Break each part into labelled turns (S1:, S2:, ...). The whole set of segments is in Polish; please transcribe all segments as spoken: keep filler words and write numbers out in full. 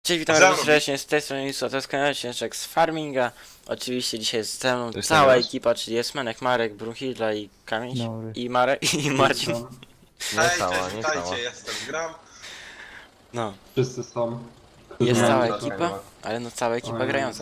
S1: Cześć, witam bardzo serdecznie, z tej strony Lisu, to jest kanał Ciężek z Farminga. Oczywiście dzisiaj jest ze mną cała ekipa, czyli jest Menek, Marek, Brunhilda i Kamień.
S2: Dobry.
S1: I Marek, i Marcin.
S3: Nie
S4: Hej,
S3: cała,
S4: cześć,
S3: nie cała.
S4: witajcie, jestem Gram.
S1: No,
S2: Wszyscy są.
S1: jest
S2: mają
S1: cała
S2: zacząć.
S1: ekipa, ale no cała ekipa
S2: Oj,
S1: grająca.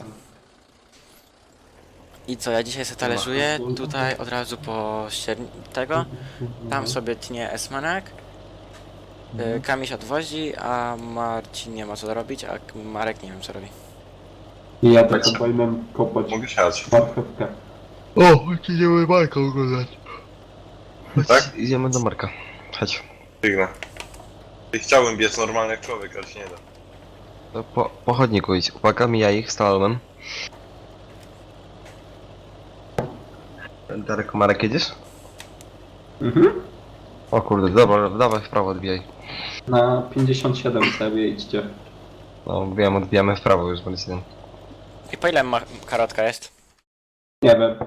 S1: I co, ja dzisiaj sobie talerzuję, tutaj od razu po ścierni tego. Tam sobie tnie Esmanek. Y, Kamiś odwozi, a Marcin nie ma co robić, a Marek nie wiem co robi.
S2: I ja tak obojmem kopać
S4: Mogę siać.
S2: marchewkę.
S3: O, idziemy Marka oglądać.
S4: Tak?
S3: Idziemy do Marka. Chodź.
S4: Biegnę. Chciałbym biec normalnie jak człowiek, ale się nie da.
S3: To po, po chodniku idź. Uwaga, mija ich z talоnem. Darek, Marek, jedziesz?
S2: Mhm.
S3: O kurde, dobra, dawaj w prawo odbijaj.
S2: Na pięćdziesiąt siedem sobie idźcie.
S3: No, odbijamy, odbijamy w prawo już, będzie jeden.
S1: I po ile ma karotka jest?
S2: Nie wiem.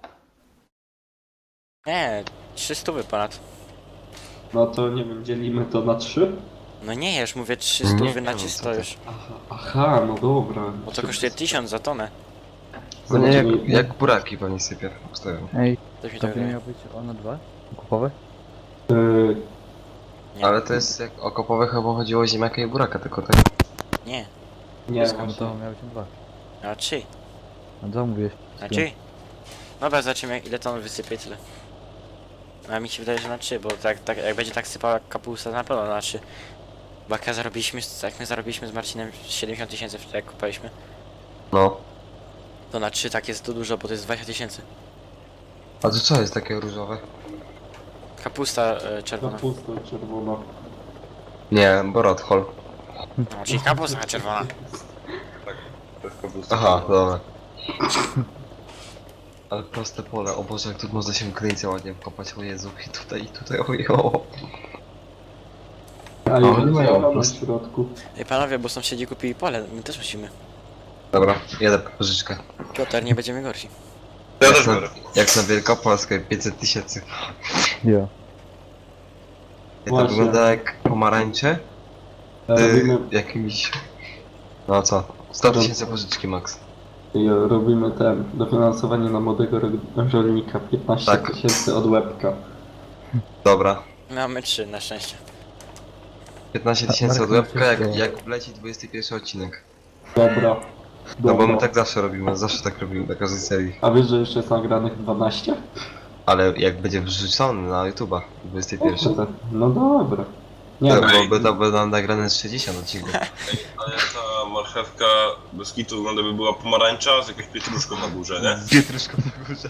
S1: Nie, trzy stówy ponad.
S2: No to nie wiem, dzielimy to na trzy?
S1: No nie, ja już mówię trzy
S3: Nie,
S1: stówy na
S3: no, co
S1: czysto
S3: ty.
S1: już.
S2: Aha, aha, no dobra.
S1: Bo to kosztuje tysiąc za tonę.
S3: No nie, jak,
S2: Zobaczymy.
S3: jak buraki pewnie sypie. Stoją.
S5: Ej,
S1: Coś mi
S5: to
S1: tak
S5: by
S1: wydaje.
S5: miał być ono dwa? Kupowe?
S2: Yy,
S1: Nie.
S3: Ale to jest jak o kopowe chyba chodziło o ziemniaka i buraka, tylko tak.
S1: Nie,
S2: nie,
S5: No
S2: właśnie.
S5: to miał być dwa.
S1: a trzy.
S5: A co mówiłeś?
S1: Na trzy. Dobra, zobaczymy ile ton wysypie tyle. A mi się wydaje, że na trzy, bo tak, tak jak będzie tak sypała kapusta, na pewno na trzy. Bo jak ja zarobiliśmy, jak my zarobiliśmy z Marcinem siedemdziesiąt tysięcy wtedy jak kupiliśmy,
S3: No.
S1: to na trzy tak jest to dużo, bo to jest dwadzieścia tysięcy.
S3: A to co jest takie różowe?
S1: Kapusta e,
S2: Na
S1: czerwona.
S2: pusto, czerwono.
S3: Nie, borodhol.
S1: No, czyli kapusta czerwona.
S4: To jest kapusta.
S3: Aha, dobra. Ale proste pole, o Boże, jak tu można się kryjcie ładnie wkopać, o Jezu, i tutaj, i tutaj, ojo.
S2: A
S3: O,
S2: ja
S3: nie mają
S2: działam na
S3: prosto.
S2: środku.
S1: Ej panowie, bo sąsiedzi kupili pole, my też musimy.
S3: Dobra, jedę po pożyczkę.
S1: Piotr, nie będziemy gorsi.
S4: Ja
S3: Jak
S4: też
S3: na,
S4: biorę.
S3: jak na Wielkopolskę, pięćset tysięcy.
S5: Ja.
S3: To
S2: Właśnie.
S3: wygląda jak pomarańcze,
S2: E,
S3: y,
S2: Robimy,
S3: jakimiś... No co? sto tysięcy pożyczki max.
S2: i robimy ten, dofinansowanie na młodego ro- rolnika. piętnaście
S3: Tak.
S2: tysięcy od łebka.
S3: Dobra.
S1: Mamy trzy na szczęście.
S3: piętnaście tysięcy od łebka, jak, jak wleci dwudziesty pierwszy odcinek.
S2: Dobra.
S3: No bo my
S2: Dobra.
S3: tak zawsze robimy, zawsze tak robimy na każdej serii.
S2: A wiesz, że jeszcze jest nagranych dwanaście?
S3: Ale jak będzie wrzucony na YouTube'a, dwudziesty pierwszy.
S2: No dobra. Nie
S3: To
S2: no,
S3: byłoby to by nam nagrane z sześćdziesiąt odcinków.
S4: Ale ta marchewka bez kitu wygląda by była pomarańcza z jakąś pietruszką na górze, nie?
S3: Pietruszką na górze.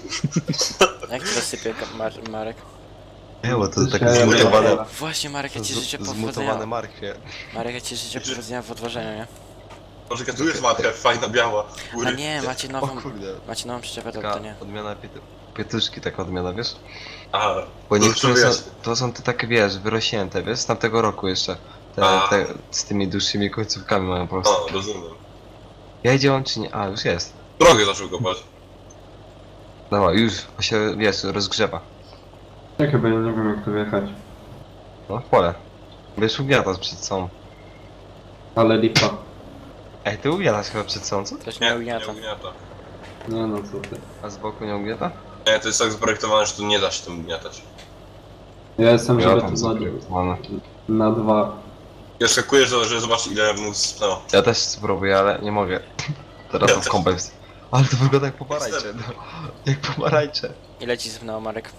S1: Jak to sypie Ka- Mar Marek?
S3: Nie, bo to tak
S2: Dzisiaj-
S3: zmutowane...
S1: Właśnie Marek, ja ci życzę
S3: z- Zmutowane
S1: powodzenia.
S3: marchwie.
S1: Marek, ja ci życzę powodzenia w odważeniu, nie?
S4: Poczekaj, tu jest marchew, fajna, biała.
S1: A
S4: Góry.
S1: nie, macie
S3: O
S1: nową,
S3: kurde.
S1: macie nową przyczepę, to,
S3: Taka
S1: to nie.
S3: odmiana pietru... Pietruszki, taka odmiana, wiesz?
S4: Aha,
S3: Bo
S4: to
S3: niektóre
S4: wiesz.
S3: są, to są te takie, wiesz, wyrośnięte, wiesz, z tamtego roku jeszcze. Te,
S4: A.
S3: te, z tymi dłuższymi końcówkami mają po prostu.
S4: O, rozumiem.
S3: Ja idzie on czy nie? A, już jest.
S4: Drogę zaczął kopać.
S3: Dobra, już, bo się, wiesz, rozgrzewa.
S2: tak chyba ja nie wiem jak tu wjechać.
S3: No, w pole. Wiesz, ugniatasz przed sobą.
S2: Ale lipa.
S3: Ej, ty ugniatasz chyba przed sobą, co?
S1: Też
S4: Nie,
S1: nie
S4: nie
S1: ugniata.
S4: ugniata.
S2: Nie no co ty.
S3: A z boku nie ugniata?
S4: Nie, to jest tak zaprojektowane, że tu nie da się tym ugniatać.
S2: Ja jestem,
S3: Ja
S2: żeby
S3: tam
S2: to
S3: zaprojektowane.
S2: na, na dwa.
S4: Ja skakujesz, że zobacz ile mu spnęło.
S3: Ja też spróbuję, ale nie mogę. Teraz
S4: Ja
S3: to w
S4: też.
S3: kąpę wst- Ale to wygląda jak pomarańcze, no. Jak pomarańcze.
S1: Ile ci sypnęło Marek?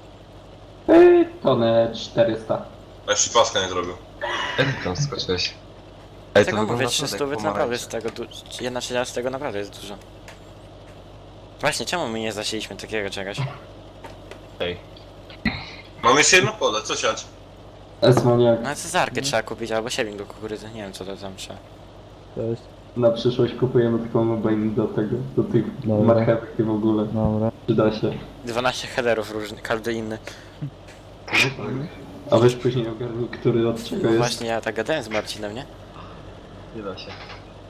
S2: Ej, tonę czterysta.
S4: A jeszcze paska nie zrobił.
S3: Jak ty tam skoczyłeś? Ej,
S1: Tego mówię, trzy
S3: naprawdę
S1: stówy
S3: jak
S1: to naprawdę
S3: pomarańcze.
S1: z tego, du- jedna trzecia z tego naprawdę jest dużo. Właśnie, czemu my nie zasieliśmy takiego czegoś?
S3: Ej.
S4: Mamy jeszcze jedno pole, co siać?
S2: Esmoniak,
S1: No cezarkę trzeba kupić, albo siewnik do kukurydzy, nie wiem co to tam trzeba.
S5: To jest.
S2: na przyszłość kupujemy taką mobile do tego, do tych
S5: Dobra.
S2: marchewek i w ogóle.
S5: Dobra.
S2: Przyda się.
S1: dwanaście headerów różnych, każdy inny.
S2: A weź później ogarnij, który od czego
S1: No
S2: jest.
S1: właśnie, ja tak gadałem z Marcinem, nie?
S3: Nie da się.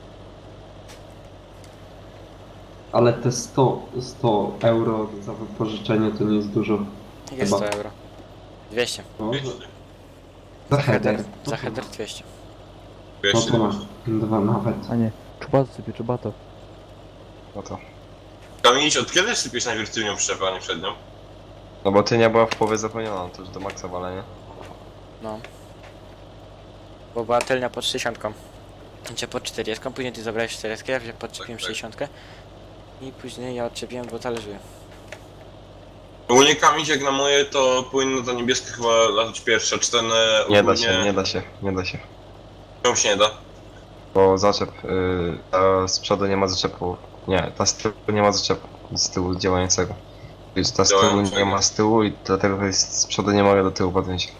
S2: Ale te sto, sto euro za wypożyczenie to nie jest dużo.
S1: Jak jest
S2: Chyba.
S1: sto euro? dwieście.
S2: No,
S4: Wiecie,
S2: za
S1: Header,
S2: header.
S1: za header dwieście.
S2: No
S4: Jeszcze
S2: to
S4: nie
S2: masz. Dwa nawet.
S5: A nie, czubato sypie, czubato.
S3: No to.
S4: Kamienić, od kiedy sypiesz najpierw tylnią przyczepę, a nie przednią?
S3: No bo ty nie była w połowie zapełniona, to już do maksa walenia.
S1: No. Bo była tylnia pod sześćdziesiątką. Gdzie pod czterdziestką, później ty zabrałeś czterdziestkę, ja wziąłem podczepiłem
S4: Tak, tak.
S1: sześćdziesiątkę. I później ja odczepiłem, bo talerzyłem.
S4: Ogólnie kamień jak na moje to powinno to niebieskie chyba latać pierwsze, czy ten e,
S3: Nie da
S4: ogólnie...
S3: się, nie da się, nie da się.
S4: Czemu się nie da?
S3: Bo zaczep, yy, ta z przodu nie ma zaczepu. Nie, ta z tyłu nie ma zaczepu. Z tyłu działającego. Więc ta z tyłu
S4: Działającego.
S3: nie ma z tyłu i dlatego to jest z przodu nie mogę do tyłu podjąć.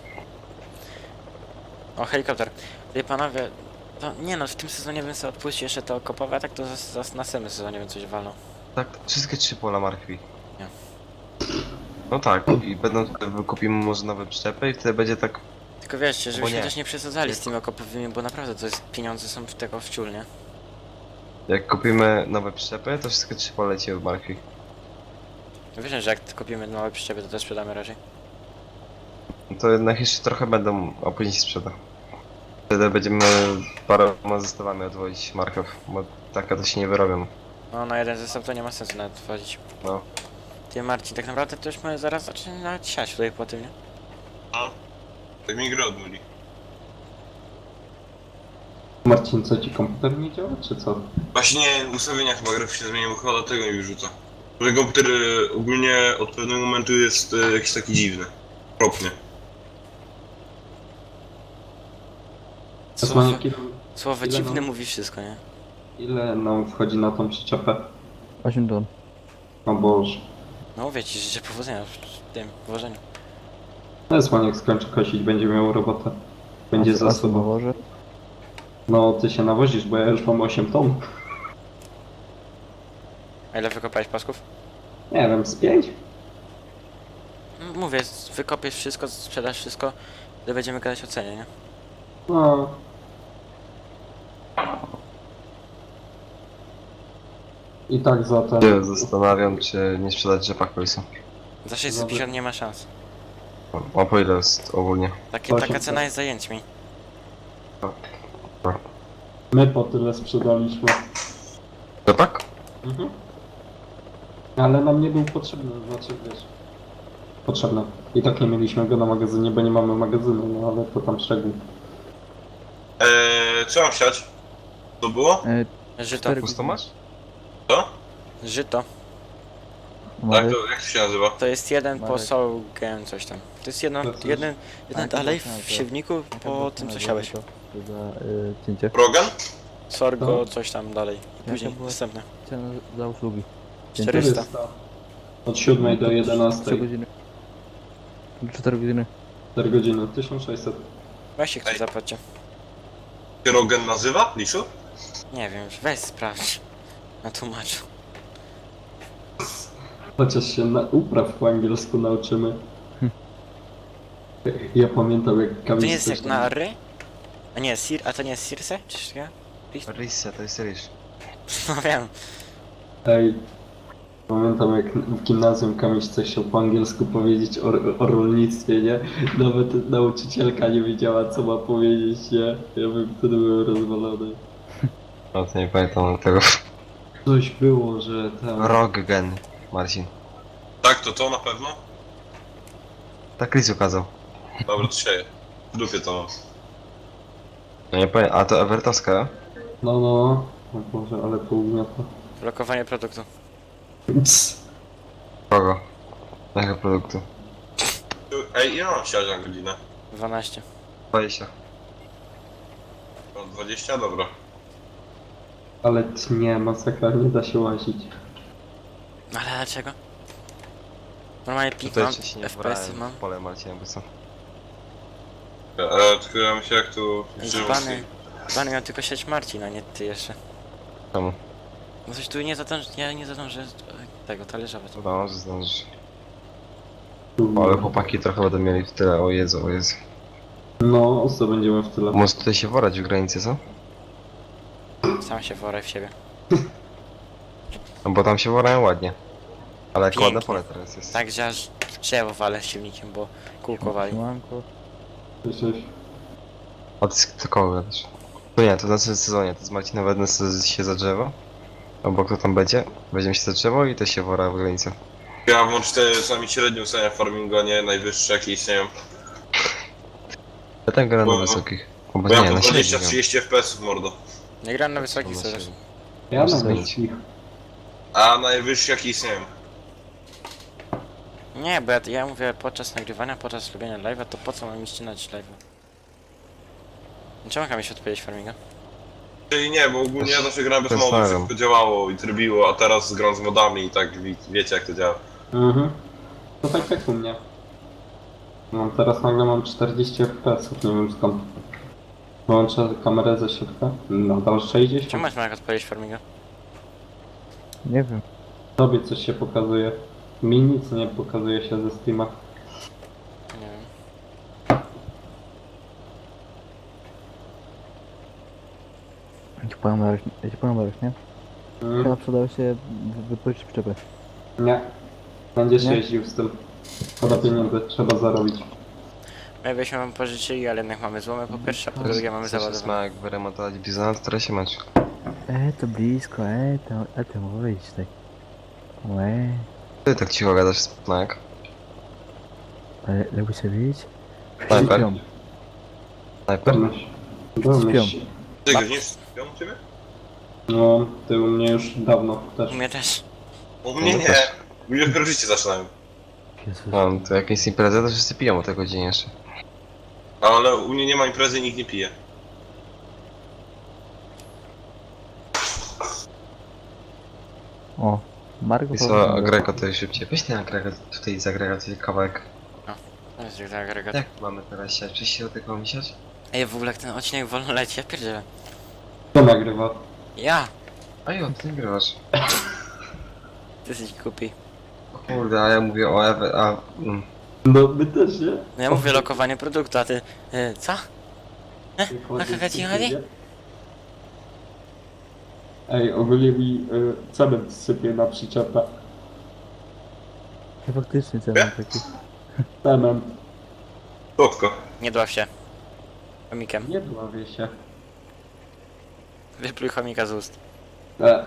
S1: O, helikopter. Wie panowie, to nie no, w tym sezonie bym sobie odpuścił jeszcze to kopowe, a tak to za, za następnym sezonie bym coś walnął.
S3: Tak, wszystkie trzy pola martwi.
S1: Nie.
S3: No tak, i będą, kupimy może nowe przyczepy i wtedy będzie tak.
S1: Tylko wiecie, żebyśmy
S3: nie.
S1: też nie przesadzali z tymi okopowymi, bo naprawdę to jest, pieniądze są w tego wciul, nie?
S3: Jak kupimy nowe przyczepy, to wszystkie trzy pola leci od martwi.
S1: Wiesz, że jak kupimy nowe przyczepy, to też sprzedamy raczej.
S3: No to jednak jeszcze trochę będą, a później się sprzeda. Wtedy będziemy paroma zestawami odwozić markew, bo takie to się nie wyrobią.
S1: No, na jeden zestaw to nie ma sensu nawet wchodzić.
S3: No.
S1: Ty Marcin, tak naprawdę to już my zaraz zaczniemy nawet siać tutaj po tym, nie?
S4: Tak mi grę odmuli.
S2: Marcin, co ci komputer nie działa, czy co?
S4: Właśnie nie, ustawienia chyba graficzne zmieniłem, chyba dlatego mi wyrzuca. Że komputer e, ogólnie od pewnego momentu jest e, jakiś taki dziwny. Okropnie.
S1: Słowo,
S2: Osmaniak, ile,
S1: słowo
S2: ile
S1: dziwne
S2: nam-
S1: mówi wszystko, nie?
S2: ile nam wchodzi na tą przyczepę?
S5: osiem ton.
S2: O Boże.
S1: No mówię ci, życzę powodzenia w tym włożeniu.
S2: No Osmaniak skończy kosić, będzie miał robotę. Będzie
S5: A
S2: za
S5: co
S2: sobą.
S5: nawożę?
S2: No ty się nawozisz, bo ja już mam osiem ton.
S1: A ile wykopałeś pasków?
S2: Nie wiem, z pięć?
S1: M- Mówię, wykopiesz wszystko, sprzedasz wszystko, to będziemy gadać o cenie, nie?
S2: No. I tak za ten...
S3: Się zastanawiam, czy nie sprzedać rzepak końca.
S1: Za sześćset pięćdziesiąt nie ma szans.
S3: A po ile jest ogólnie?
S1: Takie,
S2: Osiem
S1: taka cena
S2: ton.
S1: jest zajęćmi.
S2: My po tyle sprzedaliśmy.
S3: Rzepak?
S2: Mhm. Ale nam nie był potrzebny, znaczy wiesz... Potrzebny. I tak nie mieliśmy go na magazynie, bo nie mamy magazynu, no ale to tam szczegół.
S4: Eee, co mam siać? To było?
S5: E,
S1: Żyto.
S5: cztery
S3: Pusto masz?
S4: Co?
S1: Żyto.
S4: Tak,
S5: Marek,
S4: to jak to się nazywa?
S1: To jest jeden
S5: Marek.
S1: posągiem, coś tam. To jest jedno,
S2: To jest-
S1: jeden, jeden
S5: Tak,
S1: dalej
S5: to jest-
S1: w siewniku po tym co siałeś.
S5: To za y, cięcie.
S4: Rogan?
S1: Sorgo,
S2: No.
S1: coś tam dalej. I później
S5: była-
S1: następne.
S5: Cena za usługi.
S1: czterysta.
S2: Od siódmej do
S5: trzy
S2: jedenastej.
S5: godziny. cztery godziny.
S2: cztery godziny. tysiąc sześćset.
S1: Weźcie ktoś
S4: Ej.
S1: zapłacie.
S4: Się Rogan nazywa? Liszu?
S1: Nie wiem, weź sprawdź. Na tłumaczu.
S2: Chociaż się na upraw po angielsku nauczymy. Ja pamiętam jak
S1: To
S2: Kamil
S1: nie jest
S2: coś
S1: jak
S2: tam-
S1: na ry? A nie, sir, a to nie jest Circe? Czyż ja?
S3: Rysja, to jest ryż.
S1: No wiem.
S2: Ej, pamiętam jak w gimnazjum Kamil coś chciał po angielsku powiedzieć o, o rolnictwie, nie? Nawet nauczycielka nie wiedziała co ma powiedzieć, nie? Ja bym wtedy był rozwalony.
S3: No to nie pamiętam tego.
S2: Coś było, że tam...
S3: Roggen, Marcin.
S4: Tak, to to na pewno?
S3: Tak Chris ukazał.
S4: Dobra, to sieję. W dupie to mam.
S3: No nie pamiętam, a to Evertowska?
S2: No, no. O Boże, ale to ugniata.
S1: Blokowanie produktu.
S2: Cs.
S3: Kogo? Jakiego produktu?
S4: Ej, ile mam siać na godzinę?
S1: dwanaście.
S3: dwadzieścia.
S4: No, dwadzieścia? Dobra.
S2: Ale nie, masakra, nie da się łazić.
S1: Ale dlaczego? Normalnie pik
S3: Tutaj
S1: mam,
S3: jeszcze się nie
S1: F P S-y
S3: wbrałem
S1: mam.
S3: w pole Marcina, bo co?
S4: E, tylko ja myślę jak tu...
S1: Zbany, zbany miał tylko sieć Marcin, a nie ty jeszcze.
S3: Czemu?
S1: No coś tu nie zadążę, ja nie zadążę e, tego talerzować.
S3: No, że zdążysz. Ale chłopaki trochę będą mieli w tyle, o Jezu, o Jezu.
S2: No, co będziemy w tyle.
S3: Może tutaj się worać w granicy, co?
S1: Sam się woraj w siebie.
S3: No bo tam się worają ładnie. Ale jak
S1: Pięknie.
S3: ładne pole teraz jest.
S1: Tak, że aż w drzewo walę silnikiem, bo kółko wali.
S5: Siemanko.
S2: Cześć, cześć.
S3: A ty z kogo gadasz? To nie, to w następnym sezonie, to z Marcinem wezmę sobie się za drzewo. Albo kto tam będzie, weźmiemy się za drzewo i to się wora w granicę.
S4: Ja mam czasami średnią cenę farmingu, a nie najwyższe jakie istnieją.
S3: Ja tam gram na
S4: Bo-
S3: wysokich. O,
S4: Bo
S3: bo
S4: ja
S3: nie,
S4: mam
S3: na
S4: dwadzieścia
S3: średnich.
S4: trzydzieści F P S mordo.
S1: Nie gram na wysokich
S3: Na
S1: coraz.
S3: średnich.
S2: Ja
S3: Muszę
S2: na
S3: zmienić.
S2: wyścig.
S4: A najwyższe jakie istnieją.
S1: Nie, bo ja, ja mówię podczas nagrywania, podczas robienia live'a, to po co mam mi ścinać live'a? Czemu mam się odpalić farminga?
S4: Czyli nie, bo ogólnie ja zawsze grałem bez modów,
S3: Zastanawiam.
S4: wszystko działało i trybiło, a teraz gram z modami i tak wie, wiecie jak to działa.
S2: Mhm. To tak jak u mnie. No teraz nagle mam czterdzieści F P S, nie wiem skąd. Wyłączę kamerę ze środka. Nadal
S1: Czemu
S2: sześćdziesiąt.
S1: masz jak odpalić farminga?
S5: Nie wiem.
S2: Tobie coś się pokazuje. Mi nic nie pokazuje się ze Steama.
S1: Nie wiem.
S5: Ja ci powiem Marek, ja ci powiem Marek, nie?
S2: Mm.
S5: Chyba przydało się wy- wypożyczyć przyczepę.
S2: Nie. Będziesz
S5: Nie?
S2: jeździł z tym. Szkoda pieniędzy, trzeba zarobić.
S1: My byśmy wam pożyczyli, ale jednak mamy złomę po pierwsze, a po
S3: Teraz-
S1: drugie mamy
S3: teraz jest
S1: załadowane.
S3: ma jak wyremontować bizona, to teraz się mecz.
S5: E, to blisko, e, to, e, to mówić tak. Łe,
S3: Ty tak cicho gadasz, Smak.
S5: ale lubi się bić?
S3: Snajper?
S5: Śpią.
S3: Snajper?
S2: Domyśl. Domyśl.
S4: Ty
S1: Ma-
S4: go nie śpią u ciebie?
S2: No, ty u mnie już dawno też.
S1: U mnie też.
S4: U mnie
S3: No
S4: nie.
S3: też.
S4: U mnie dopiero życie zaczynają.
S5: Jezus.
S3: Mam to jakieś imprezy, to wszyscy piją o tej godzinie jeszcze.
S4: Ale u mnie nie ma imprezy i nikt nie pije.
S5: O, Marko
S3: I co, Grego to już szybciej. Weź ten agregat, tutaj z agregat kawałek.
S1: To jest jak agregat.
S3: Jak mamy teraz siać? Przecież się do tego mi siać?
S1: Ej, w ogóle jak ten odcinek wolno leci, ja pierdzielę.
S2: Kto nagrywa?
S1: Ja!
S3: A jo, ty nagrywasz.
S1: Ty jesteś głupi.
S3: O kurde, a ja mówię o Ewe, a... Mm.
S2: No, my też, nie?
S1: No ja mówię lokowanie produktu, a ty... Y, co? Jaka ci chodzi?
S2: Ej, ogólnie mi y, cement sypie na przyczepę.
S5: Ja faktycznie cel taki.
S2: Cement.
S4: Słodko.
S1: Nie dław się. Chomikiem.
S2: Nie dławię się.
S1: Wypluj chomika z ust.
S2: E.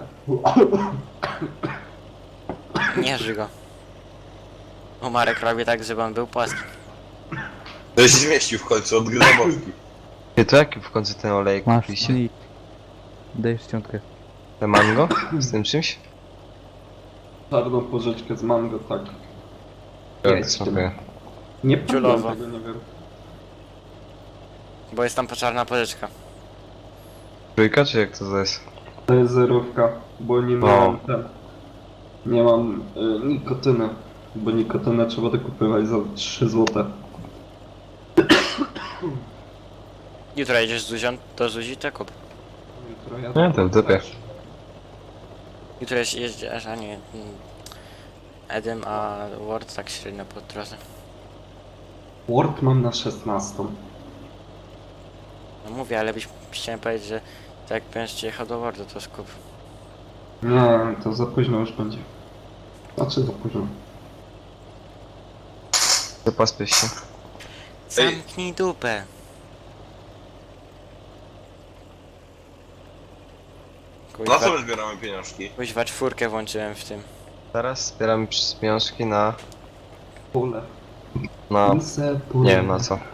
S1: Nie ży go. O, Marek robi tak, żeby on był płaski.
S4: To się zmieścił w końcu, odgryza mowki.
S3: Ty, to jaki w końcu ten olejek
S5: Masz,
S3: kupiliście?
S5: i dajesz ściątkę.
S3: Te mango? Z tym czymś?
S2: Czarną porzeczkę z mango, tak.
S3: Ja
S2: Jest.
S3: smakuję.
S2: Nie pamiętam
S1: Ciulowo.
S2: tego, nie wiem.
S1: Bo jest tam poczarna pożyczka.
S3: Trójka, czy jak to jest?
S2: To jest zerówka, bo nie
S3: O.
S2: miałem ten. Nie mam y, nikotyny. Bo nikotynę trzeba dokupywać za trzy złote.
S1: Jutro jedziesz z Zuzią, to Zuzi to kup.
S2: Jutro ja
S3: Nie, to w dupie.
S1: Jutro jeździ- jeździesz, a nie... mm, Edem, a Word tak średnio po drodze.
S2: Word mam na szesnastą.
S1: No mówię, ale byś chciałem powiedzieć, że tak jak będziesz jechał do Wordu, to skup.
S2: Nie, to za późno już będzie. Znaczy za późno.
S3: To pospiesz się.
S1: Zamknij dupę.
S4: Na
S1: Kuźwa,
S4: co my zbieramy pieniążki?
S1: kuźwa czwórkę włączyłem w tym.
S3: Teraz zbieramy przy- pieniążki na...
S2: Pole.
S3: na...
S2: Pulse, pole.
S3: nie wiem na co.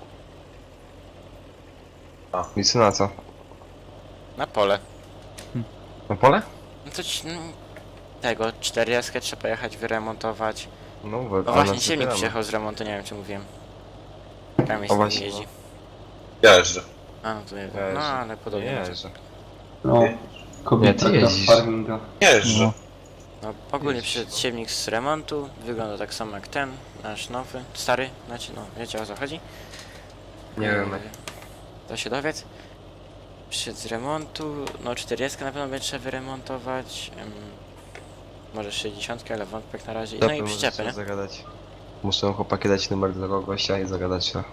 S4: A.
S3: Nic na co?
S1: Na pole.
S3: Na pole?
S1: No to ci, no, tego, czterdziestkę trzeba jechać wyremontować.
S3: No,
S1: O
S3: we,
S1: właśnie, silnik przyjechał z remontu, nie wiem czy mówiłem. Tam jest
S3: O właśnie,
S1: jeździ.
S4: Ja jeżdżę.
S1: A, no to nie
S3: Ja
S1: wiem. No
S3: jeżdżę.
S1: ale podobnie.
S3: Nie,
S1: będzie.
S3: że...
S2: No, kobieta
S3: Nie, ty
S2: gra w
S3: jeździsz.
S2: farminga.
S4: Nie jeżdżę.
S5: No.
S1: No ogólnie
S3: Jeździ.
S1: przyszedł siewnik z remontu, wygląda tak samo jak ten, nasz nowy, stary, znaczy no wiecie o co chodzi?
S3: Nie
S1: Eee,
S3: wiem.
S1: To się dowiedz. Przyszedł z remontu, no czterdziestkę na pewno będzie trzeba wyremontować. em, może sześćdziesiątkę, ale wątpię jak na razie. No i
S3: Zapewne
S1: przyczepy,
S3: trzeba
S1: nie?
S3: zagadać. Muszę chłopaki dać numer do tego gościa i zagadać się.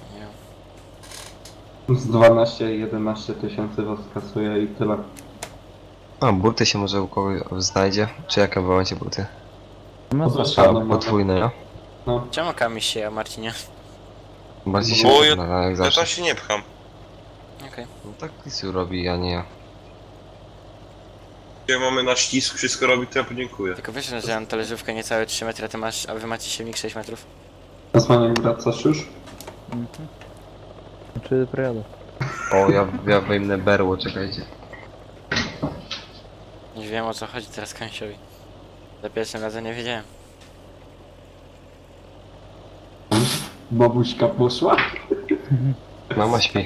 S1: Nie.
S2: Z dwanaście jedenaście tysięcy was kasuje i tyle.
S3: A, burty się może u kogoś znajdzie? Czy jakie wy macie burty?
S5: No
S2: Poza
S5: co?
S3: A,
S2: ścianą mamy.
S3: podwójne, ja?
S2: No,
S1: Czemu Kamil się, a Marcinie?
S3: Bardziej się
S4: Bo ja-
S3: przyda, jak
S4: Ja
S3: zawsze.
S4: tam się nie pcham.
S1: Okej.
S3: No tak Lisu robi, a nie ja.
S4: Jak mamy na ścisk, wszystko robi, to ja podziękuję.
S1: Tylko wiesz, że ja mam talerzówkę niecałe trzy metry, a ty masz, a wy macie silnik sześć metrów?
S2: Osmaniak, wracasz już?
S5: Mhm. Znaczy prejadę.
S3: O, ja, ja wyjmę berło, czekajcie.
S1: Nie wiem o co chodzi teraz Kęsiowi. Za pierwszym razem nie wiedziałem.
S2: Babuśka poszła?
S3: Mama śpi.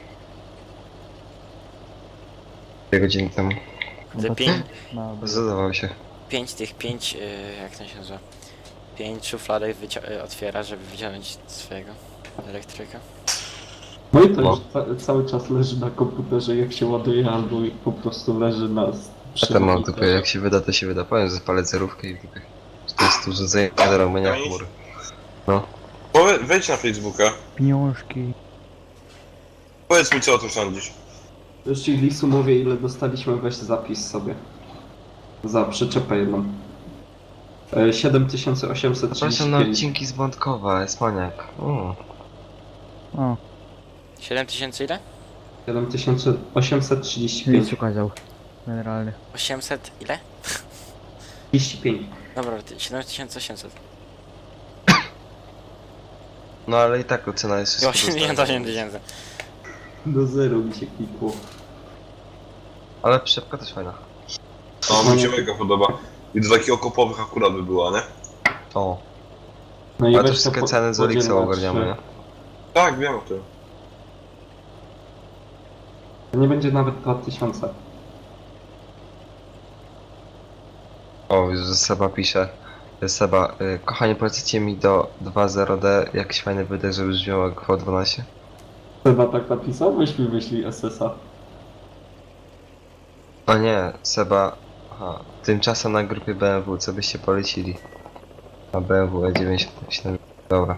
S3: Dwie godziny temu.
S1: Te pięć,
S5: No, bo-
S3: Zadawał się.
S1: pięć tych, pięć, yy, jak to się nazywa? Pięć szufladek wycia- y, otwiera, żeby wyciągnąć swojego elektryka.
S2: No i to
S3: No.
S2: już ca cały czas leży na komputerze, jak się ładuje, albo po prostu leży na... s-
S3: Ja
S2: przy
S3: tam mam w
S2: monitorze.
S3: dupie, jak się wyda, to się wyda. Powiem, że spalę zerówkę i w dupie. Że to jest urządzenie do robienia chmur. No.
S4: Powie, wejdź na Facebooka.
S5: Pieniążki.
S4: Powiedz mi, co o tym sądzisz.
S2: Jeśli Lisu mówię, ile dostaliśmy, weź zapis sobie. Za przyczepę jedną. E, siedem tysięcy osiemset trzydzieści
S3: Zapraszam na
S2: pięć.
S3: odcinki z Wątkowa, Esmaniak. O.
S5: O,
S1: siedem tysięcy ile?
S2: siedem tysięcy osiemset trzydzieści pięć.
S5: nic ukazał. Generalnie.
S1: osiemset ile?
S2: trzydzieści pięć.
S1: Dobra, ty- siedem tysięcy osiemset.
S3: No ale i tak ocena jest
S1: I
S3: wszystko
S1: osiemdziesiąt
S3: dostępna.
S1: osiem tysięcy.
S2: Do zero mi się klikło.
S3: Ale przyczepka też fajna.
S4: No, mi się mega podoba. I do takich okopowych akurat by była, nie?
S3: O.
S2: No i
S3: Ale to
S2: weź
S3: wszystkie
S2: po-
S3: ceny z
S2: podziel
S3: Olixa
S2: na
S3: ogarniamy,
S2: trzy.
S3: nie?
S4: Tak, wiem o tym.
S2: To nie będzie nawet dwa tysiące.
S3: O, już że Seba pisze. Seba, y, kochanie, polecicie mi do dwa zero D jakiś fajny wydech, żeby brzmiał jak V dwanaście?
S2: Chyba tak napisał? Weź mi wyślij S S A.
S3: O nie, Seba. Aha, tymczasem na grupie B M W, co byście polecili? A B M W E dziewięćdziesiąt siedem. Dobra.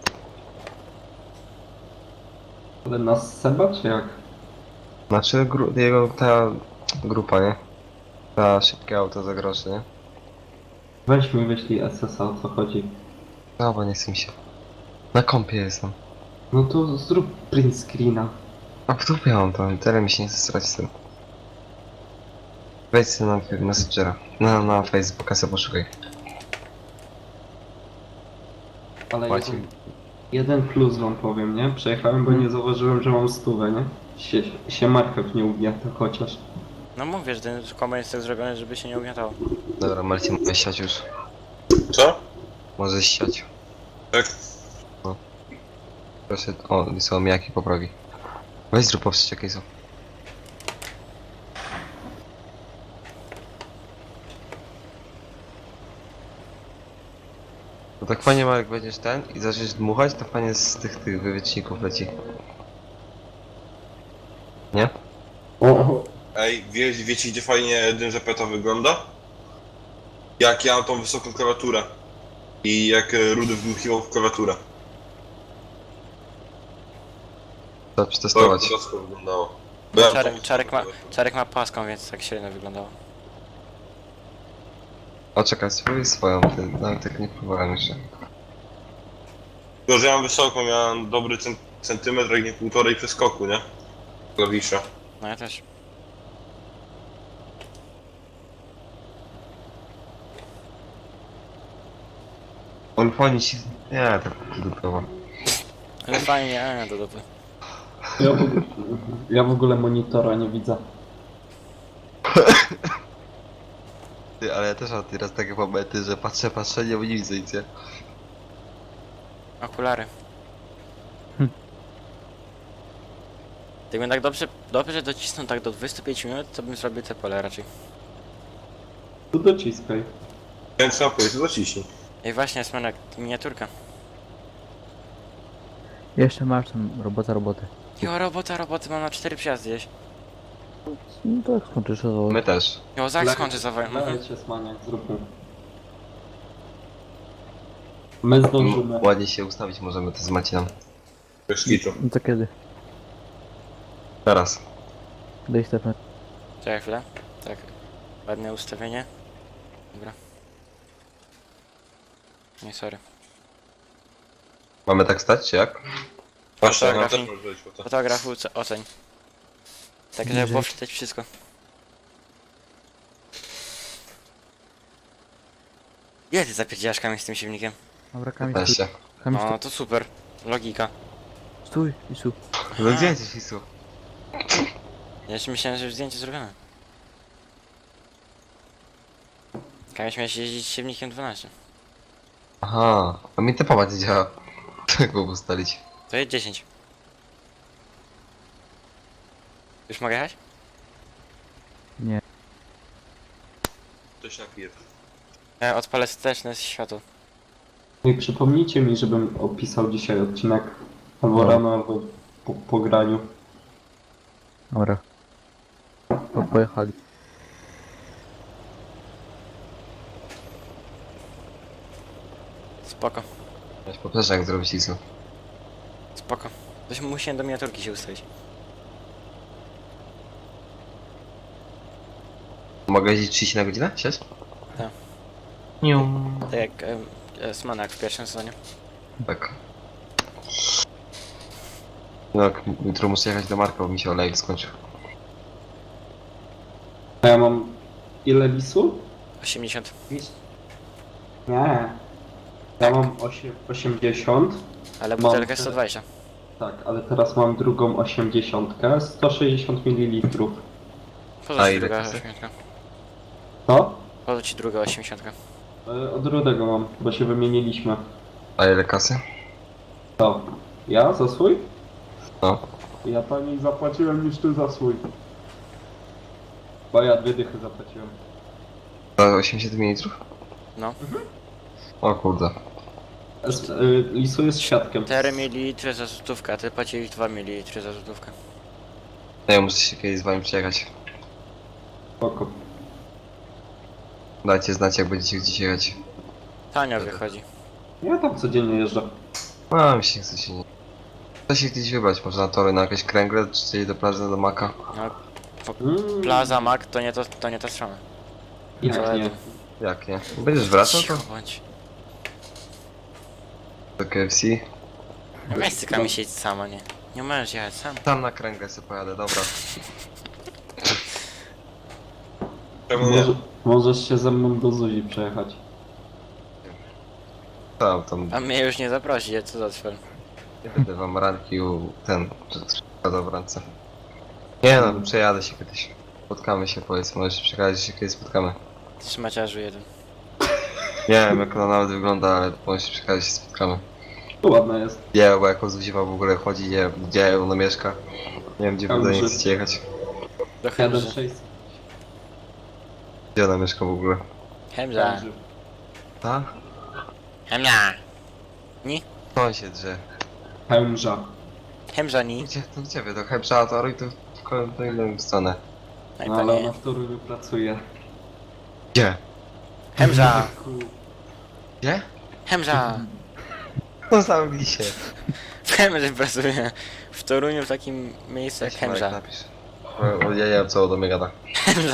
S2: Ale nas Seba, czy jak?
S3: Znaczy gru, jego ta grupa, nie? Ta szybkie auto za groszy, nie?
S2: Weź mi wyślij S S A, o co chodzi.
S3: No bo nie chcę mi się. Na kompie jestem.
S2: No to zrób print screena.
S3: A w dupie mam to, tyle mi się nie chce strać z tym. Wejdź sobie na Messengera, na, na Facebooka sobie poszukaj.
S2: Ale
S3: Macie.
S2: jeden, jeden plus wam powiem, nie? Przejechałem, bo nie zauważyłem, że mam stówę, nie? Sie, się marchew nie ugniata chociaż.
S1: No mówię, że ten kombajn jest tak zrobiony, żeby się nie ugniatało.
S3: Dobra, Marcin, możesz siać już.
S4: Co?
S3: Możesz siać.
S4: Tak?
S3: Proszę, o, wysłał mi jaki poprawi. Weź zrób poprzeć jakie są. No tak fajnie ma, jak będziesz ten i zaczniesz dmuchać, to fajnie z tych, tych wywieczników leci. Nie?
S2: O,
S4: Ej, wie, wiecie gdzie fajnie dym Żepeta wygląda? Jak ja mam tą wysoką klawiaturę. I jak e, Rudy wdmuchiwał w klawiaturę.
S3: Trzeba
S4: To
S3: przetestować.
S4: rzadko wyglądało. Bo ja mam
S1: Czarek,
S4: tą
S1: czarek, ma,
S4: wysoką klawiaturę.
S1: czarek ma paską, więc tak średnio wyglądało.
S3: O, czekaj, spróbuj swoją, ty, nawet tak nie próbowałem jeszcze.
S4: Tylko, że ja mam wysoką, miałem dobry cen centymetr, jak nie półtorej przeskoku, nie? Klawisza.
S1: No ja też.
S3: On fajnie się... Nie, tak dupowo.
S1: Ale fajnie, a do dupy.
S2: ja, w, ogóle- ja w ogóle monitora nie widzę.
S3: Ty, ale ja też mam teraz takie momenty, że patrzę, patrzę, nie, nie widzę nic, nie?
S1: Okulary.
S5: Hm.
S1: Jakbym tak dobrze, dobrze docisnął tak do dwudziestu pięciu minut, to bym zrobił te pole raczej.
S2: To dociskaj.
S4: Więc na powiedzieć, to ciśnij.
S1: I właśnie jest jak miniaturka.
S5: Jeszcze masz tam robota roboty.
S1: Jo, robota, roboty, mam na cztery przejazdy jeść.
S5: No tak skończysz to.
S3: My też.
S1: Jo, zaś
S2: Le-
S1: skończę za wojną. Mhm.
S2: Lecie Smaniak, zróbmy. My zdążymy.
S3: Ładnie się ustawić możemy to z Macinem.
S4: Bez kitu.
S5: No to kiedy?
S3: Teraz.
S5: Daj Stefan.
S1: Czekaj chwilę. Tak. Ładne ustawienie. Dobra. Nie, sorry.
S3: Mamy tak stać, czy jak?
S4: Właśnie, jak na
S1: Fotografii.
S4: też może być, bo to...
S1: Fotografu, co- oceń. Tak, żeby
S5: Bliżej.
S1: było wczytać wszystko. Ile ty zapierdzielasz kamień z tym silnikiem?
S5: Dobra, Kamil, stój.
S3: piętnaście.
S5: Kamil,
S1: No
S5: stój.
S1: to super. Logika.
S5: Stój, Isu.
S3: No gdzie jesteś, Isu?
S1: Ja jeszcze myślałem, że już zdjęcie zrobione. Kamień miałeś jeździć silnikiem dwanaście.
S3: Aha, a mi te nie działa. Jak go ustalić?
S1: To jest dziesięć. Już mogę jechać?
S5: Nie.
S4: Ktoś napierd.
S1: Ja odpalę wsteczne światło.
S2: No i przypomnijcie mi, żebym opisał dzisiaj odcinek. Albo
S5: No.
S2: rano, albo po, po graniu.
S5: Dobra. Po, pojechali.
S1: Spoko,
S3: Weź poprzeczek jak zrobić, Isu.
S1: spoko. Coś musiałem do miniaturki się ustawić.
S3: Mogę jeździć trzydzieści na godzinę? Siedź?
S1: Tak.
S3: Niu.
S1: Tak jak em, e, Smanak w pierwszym sezonie.
S3: Tak. No, jak jutro muszę jechać do Marka, bo mi się olejek skończył.
S2: A ja mam... Ile lisu?
S1: osiemdziesiąt.
S2: Nie. Ja mam osiem, osiemdziesiąt.
S1: Ale
S2: Mam
S1: butelkę
S2: tyle.
S1: sto dwadzieścia.
S2: Tak, ale teraz mam drugą osiemdziesiątkę. sto sześćdziesiąt mililitrów.
S1: Po
S3: A
S1: co ci
S3: ile
S1: druga
S3: kasy?
S1: osiemdziesiątka?
S2: Co?
S1: Po co ci druga osiemdziesiątka?
S2: E, Od Rudego mam, bo się wymieniliśmy.
S3: A ile kasy?
S2: To. Ja za swój?
S3: No.
S2: Ja taniej zapłaciłem niż ty za swój. Bo ja dwie dychy zapłaciłem.
S3: Za osiemdziesiąt mililitrów?
S1: No.
S3: O kurde.
S2: Es, y, Lisu jest świadkiem.
S1: cztery mililitry za złotówkę, a ty płaciłeś dwa mililitry za złotówkę.
S3: No ja muszę się kiedyś z wami przyjechać.
S2: Spoko.
S3: Dajcie znać, jak będziecie gdzieś jechać.
S1: Tanio wychodzi.
S2: Ja tam codziennie jeżdżę.
S3: No, mi się nie chce się nie... Chce się gdzieś wybrać, może na tory, na jakieś kręgle, czy gdzieś do plaży, do Maka.
S1: No,
S2: Mm,
S1: Plaza Mac to nie to, to nie ta strona.
S2: Jak nie?
S3: Jak nie? Będziesz wracał to?
S1: Cicho bądź.
S3: Do K F C?
S1: Weź cykami siedź sama, nie. Nie możesz jechać sam.
S3: Tam na kręgle sobie pojadę, dobra.
S4: Czemu nie?
S2: Może, możesz się ze mną do Zuzi przejechać.
S3: Tam, tam,
S1: A mnie już nie zaprosi, co za cwel.
S3: nie będę wam rankił ten, przykładał w ręce. Nie no, przejadę się kiedyś. Spotkamy się, powiedz, możesz przekazać, że się kiedyś spotkamy.
S1: Trzymaciarzu jeden.
S3: Nie wiem jak ona nawet wygląda, ale możesz przekazać, że się spotkamy.
S2: To ładna jest.
S3: Nie, bo jako Zuziwa w ogóle chodzi, nie wiem, gdzie ona mieszka. Nie wiem, gdzie wy do niej
S2: Dobrze.
S3: chcecie jechać.
S1: Do
S2: jeden
S1: Chemzy.
S2: sześćset.
S3: Gdzie ona mieszka w ogóle?
S1: Chemza.
S3: A?
S1: Chemza.
S3: On się drze.
S2: Chemża.
S1: Chemza ni.
S3: Gdzie, to gdzie wy? Do Hebsza, to i to w ko- to inną stronę.
S1: No i
S2: No,
S1: to
S2: ale
S1: nie.
S2: ona w Toruniu pracuje.
S3: Gdzie?
S1: Chemza.
S3: Gdzie?
S1: Chemza.
S3: No zamknij się.
S1: W Chemzy pracuję. W Toruniu w takim miejscu jak
S3: Weź Marek,
S1: Chemza.
S3: napisz. O, o, ja nie wiem co do mnie gada.
S1: Chemza.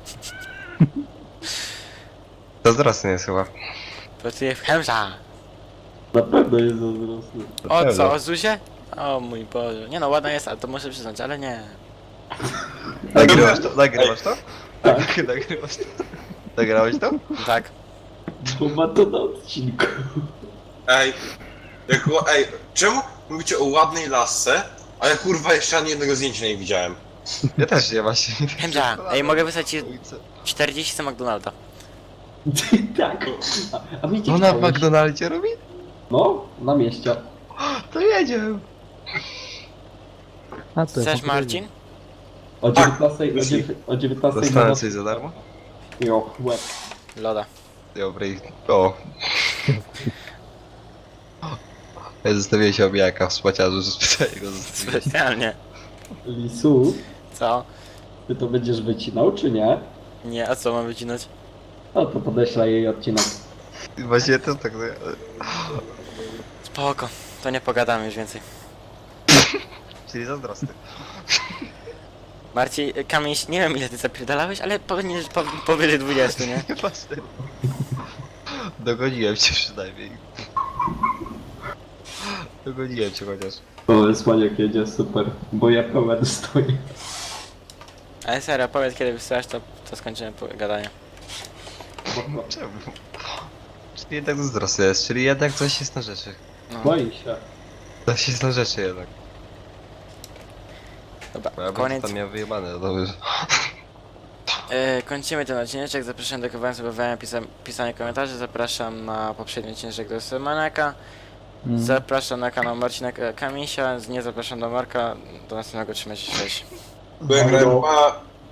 S3: To zaraz nie jest chyba.
S1: Pracuję w Chemza.
S2: Na pewno jest zazdrosny.
S1: O co, o Zuzie? O mój Boże. Nie no, ładna jest, ale to muszę przyznać, ale nie.
S3: Nagrywasz to? Nagrywasz to? Tak. Nagrywasz to? Nagrałeś to?
S1: Tak.
S2: Bo ma to na odcinku.
S4: Ej, jak, ła- ej, czemu mówicie o ładnej lasce, a ja kurwa jeszcze ani jednego zdjęcia nie widziałem?
S3: Ja też nie właśnie.
S1: Chemza. Ej, mogę wysłać ci czterdzieści za McDonalda.
S2: Tak. A, a mi
S3: Ona w McDonaldzie robi?
S2: No, na mieście.
S3: To jedzie.
S5: A to
S1: Chcesz Marcin?
S2: O
S4: Tak,
S2: dziewiętnastej, o,
S4: jeśli-
S2: dziewię- o dziewiętnastej
S3: Dostanę
S2: na
S3: coś za darmo?
S2: Jo, łeb.
S1: Loda.
S3: Dobry. O. Ja zostawiłem się obijaka w spłaciarzu, że specjalnie go zostawiłem.
S1: Specjalnie.
S2: Lisu,
S1: Co?
S2: ty to będziesz wycinał, czy nie?
S1: Nie, a co mam wycinać?
S2: No to podeślę jej odcinek.
S3: Właśnie to tak...
S1: Spoko. To nie pogadamy już więcej.
S3: Czyli zazdrosny.
S1: Marcin, Kamień, nie wiem ile ty zapierdalałeś, ale powinieneś po, powyżej dwudziestu, nie?
S3: Nie patrz ty. Dogoniłem cię przynajmniej. Dogoniłem cię chociaż.
S2: O, Słaniak jedzie, super. Bo ja pełen stoję.
S1: Ale serio, powiedz kiedy wysyłasz, to, to skończymy po- gadanie.
S3: Czemu? Czyli jednak zazdrosny jest, czyli jednak coś jest na rzeczy.
S1: No.
S2: Boi się.
S3: Coś jest na rzeczy jednak.
S1: Dobra,
S3: Bo ja bym
S1: koniec.
S3: to tam miał wyjebane, no dobrze.
S1: E, kończymy ten odcineczek, zapraszam do komentarza, subowania, pisa pisania komentarzy, zapraszam na poprzedni odcinek do Semanaka,
S2: Mm.
S1: zapraszam na kanał Marcina Kamisia, nie zapraszam do Marka, do następnego, trzymajcie się, cześć.
S4: Byłem grałem, pa!